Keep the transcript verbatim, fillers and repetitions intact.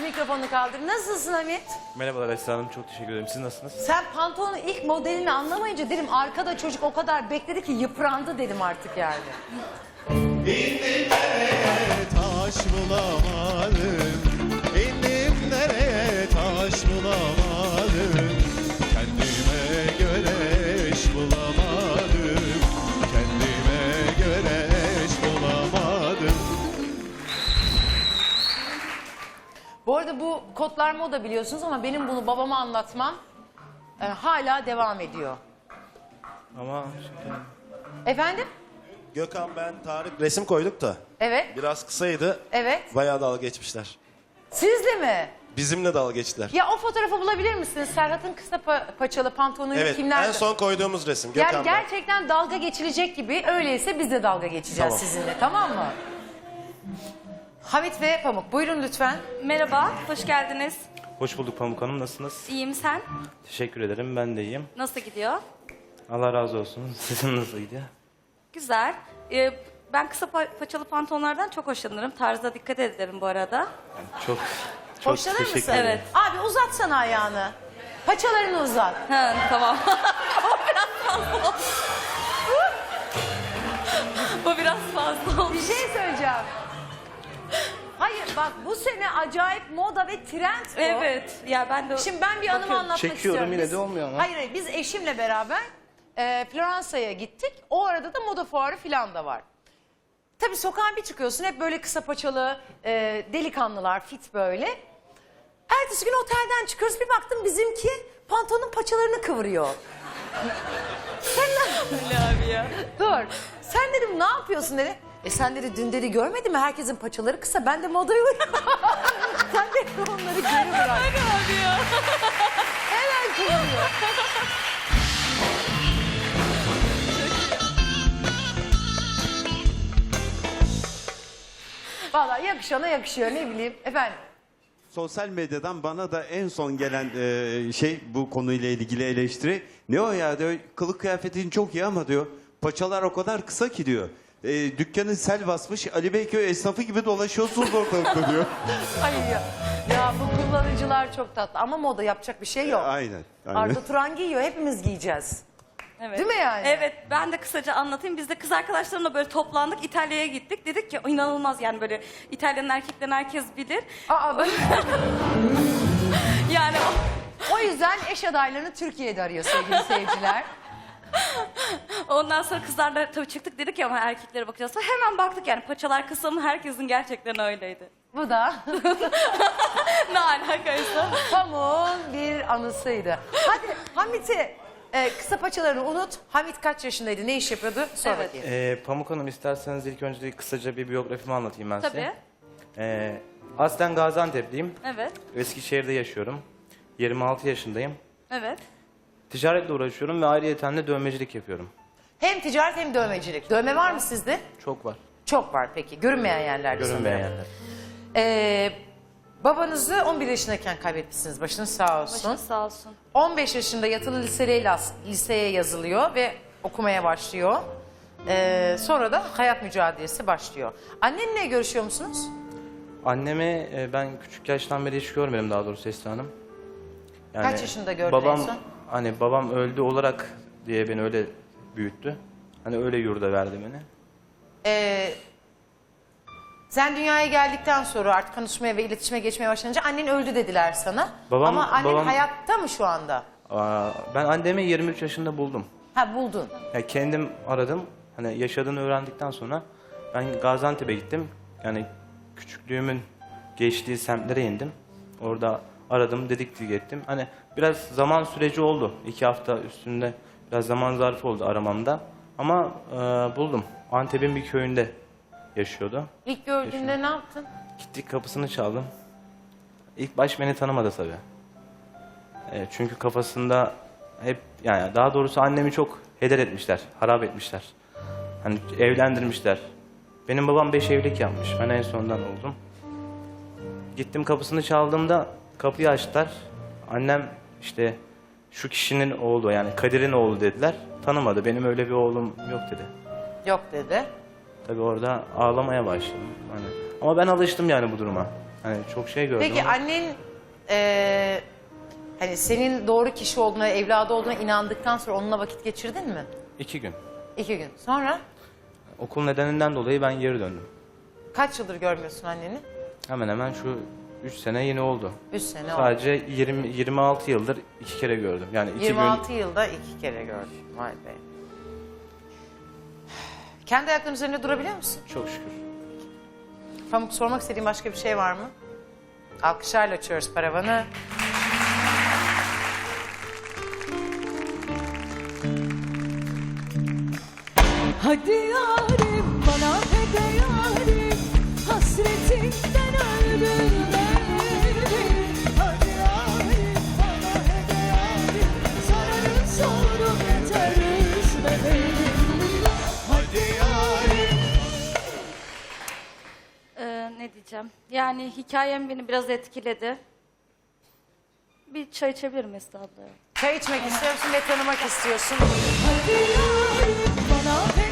mikrofonunu kaldır. Nasılsın Hamit? Merhabalar Esra Hanım, çok teşekkür ederim. Siz nasılsınız? Sen pantolonun ilk modelini anlamayınca dedim arkada çocuk o kadar bekledi ki yıprandı dedim artık yani. İndim nereye taş bulamadım, İndim nereye taş bulamadım, kendime göre eş bulamadım, kendime göre eş bulamadım. Bu arada bu kotlar moda biliyorsunuz ama benim bunu babama anlatmam e, hala devam ediyor. Ama şimdi... Efendim? Gökhan, ben, Tarık resim koyduk da Evet, biraz kısaydı. evet. Bayağı dalga geçmişler. Sizle mi? Bizimle dalga geçtiler. Ya o fotoğrafı bulabilir misiniz? Serhat'ın kısa pa- paçalı pantolonuyla Evet, kimler? en son koyduğumuz resim Gökhan. Yani gerçekten dalga geçilecek gibi, öyleyse biz de dalga geçeceğiz Tamam. sizinle, tamam mı? Hamit ve Pamuk, buyurun lütfen. Merhaba, hoş geldiniz. Hoş bulduk Pamuk Hanım, nasılsınız? İyiyim, sen? Teşekkür ederim, ben de iyiyim. Nasıl gidiyor? Allah razı olsun. Sizin nasıl gidiyor? Güzel. Ee, ben kısa pa- paçalı pantolonlardan çok hoşlanırım. Tarza dikkat ederim bu arada. Yani çok çok Hoşlanır teşekkür mısın? ederim. Evet. Abi uzatsana ayağını. Paçalarını uzat. Ha, tamam. O biraz fazla oldu. Bu biraz fazla oldu. Bir şey söyleyeceğim. Hayır bak, bu sene acayip moda ve trend bu. Evet. Ya ben de... Şimdi ben bir anımı Bakıyorum. anlatmak Çekiyorum, istiyorum. yine Biz- de olmuyor ama. Hayır hayır, biz eşimle beraber e, Floransa'ya gittik. O arada da moda fuarı falan da var. Tabii sokağa bir çıkıyorsun, hep böyle kısa paçalı e, delikanlılar, fit böyle. Ertesi gün otelden çıkıyoruz, bir baktım bizimki pantolonun paçalarını kıvırıyor. Sen ne... Ne abi ya? Dur. Sen dedim ne yapıyorsun dedi. E sen dedi dün dedi görmedin mi, herkesin paçaları kısa, ben de modaya uyuyorum. Sen de onları geri bırak. Ne abi ya? Hemen kıvırıyor. Vallahi yakışana yakışıyor, ne bileyim efendim. Sosyal medyadan bana da en son gelen e, şey bu konuyla ilgili eleştiri. Ne o ya diyor, kılık kıyafetin çok iyi ama diyor paçalar o kadar kısa ki diyor. E, dükkanı sel basmış, Ali Beyköy esnafı gibi dolaşıyorsunuz ortalıkta diyor. Ay ya. Ya bu kullanıcılar çok tatlı ama moda, yapacak bir şey yok. Aynen. aynen. Arda Turan giyiyor, hepimiz giyeceğiz. Evet. Değil mi yani? Evet, ben de kısaca anlatayım. Biz de kız arkadaşlarımla böyle toplandık, İtalya'ya gittik. Dedik ki inanılmaz, yani böyle İtalya'nın erkeklerini herkes bilir. Aa, ben- Yani o yüzden eş adaylarını Türkiye'de arıyor sevgili seyirciler. ondan sonra kızlarla tabii çıktık, dedik ya ama erkeklere bakacağız. Hemen baktık, yani paçalar kısa mı, herkesin gerçekten öyleydi. Bu da Ne alakaysa. Pamuk'un bir anısıydı. Hadi Hamit'i e, kısa paçalarını unut. Hamit kaç yaşındaydı, ne iş yapıyordu? Sor Evet. bakayım. Ee, Pamuk Hanım, isterseniz ilk önce kısaca bir biyografimi anlatayım ben size. Tabii. Ee, aslen Gaziantep'liyim. Evet, Eskişehir'de yaşıyorum. yirmi altı yaşındayım. evet. Ticaretle uğraşıyorum ve ayrıyeten de dövmecilik yapıyorum. Hem ticaret hem dövmecilik. Dövme var mı sizde? Çok var. Çok var peki. Görünmeyen yerlerde Görünmeyen sanırım. yerler. Ee, babanızı on bir yaşındayken kaybetmişsiniz. Başınız sağ olsun. Başınız sağ olsun. on beş yaşında yatılı liseye, liseye yazılıyor ve okumaya başlıyor. Ee, sonra da hayat mücadelesi başlıyor. Annenle görüşüyor musunuz? Annemi e, ben küçük yaştan beri hiç görmedim, daha doğrusu Esra Hanım. Yani Kaç yaşında gördün babam, en son? Hani babam öldü olarak diye beni öyle büyüttü. Hani öyle yurda verdi beni. Ee, sen dünyaya geldikten sonra artık konuşmaya ve iletişime geçmeye başlayınca annen öldü dediler sana. Babam- Ama annen babam- hayatta mı şu anda? Aa, ben annemi yirmi üç yaşında buldum. Ha, buldun. Ya kendim aradım. Hani yaşadığını öğrendikten sonra ben Gaziantep'e gittim. Yani küçüklüğümün geçtiği semtlere indim. Orada aradım, dedektif ettim. Hani biraz zaman süreci oldu. İki hafta üstünde biraz zaman zarfı oldu aramamda. Ama e, buldum. Antep'in bir köyünde yaşıyordu. İlk gördüğünde ne yaptın? Gittik, kapısını çaldım. İlk baş beni tanımadı tabii. E, çünkü kafasında hep, yani daha doğrusu annemi çok heder etmişler, harap etmişler. Hani evlendirmişler. Benim babam beş evlilik yapmış. Ben en sondan oldum. Gittim, kapısını çaldığımda kapıyı açtılar. Annem işte şu kişinin oğlu, yani Kadir'in oğlu dediler. Tanımadı. Benim öyle bir oğlum yok dedi. Yok dedi. Tabii orada ağlamaya başladım. Hani. Ama ben alıştım yani bu duruma. Hani çok şey gördüm Peki ama annen e, hani senin doğru kişi olduğuna, evladı olduğuna inandıktan sonra onunla vakit geçirdin mi? iki gün. İki gün. Sonra Okul nedeninden dolayı ben geri döndüm. kaç yıldır görmüyorsun anneni? Hemen hemen şu üç sene yeni oldu. Üç sene oldu. Sadece yirmi yirmi altı yıldır iki kere gördüm. Yani iki yirmi altı gün yılda iki kere gördüm. Vay be. Kendi ayaklarının üzerinde durabiliyor musun? çok şükür. Pamuk, sormak istediğin başka bir şey var mı? Alkışlarla açıyoruz paravanı. Hadi yarim bana hede yarim, hasretinden öldüm beni. Hadi yarim bana hede yarim, sararım soğudum yeter üzme beni. Hadi yarim. Ee, ne diyeceğim? Yani hikayem beni biraz etkiledi. Bir çay içebilir miyiz abla? Çay içmek istiyorsun ve tanımak istiyorsun. Hadi yarim bana hede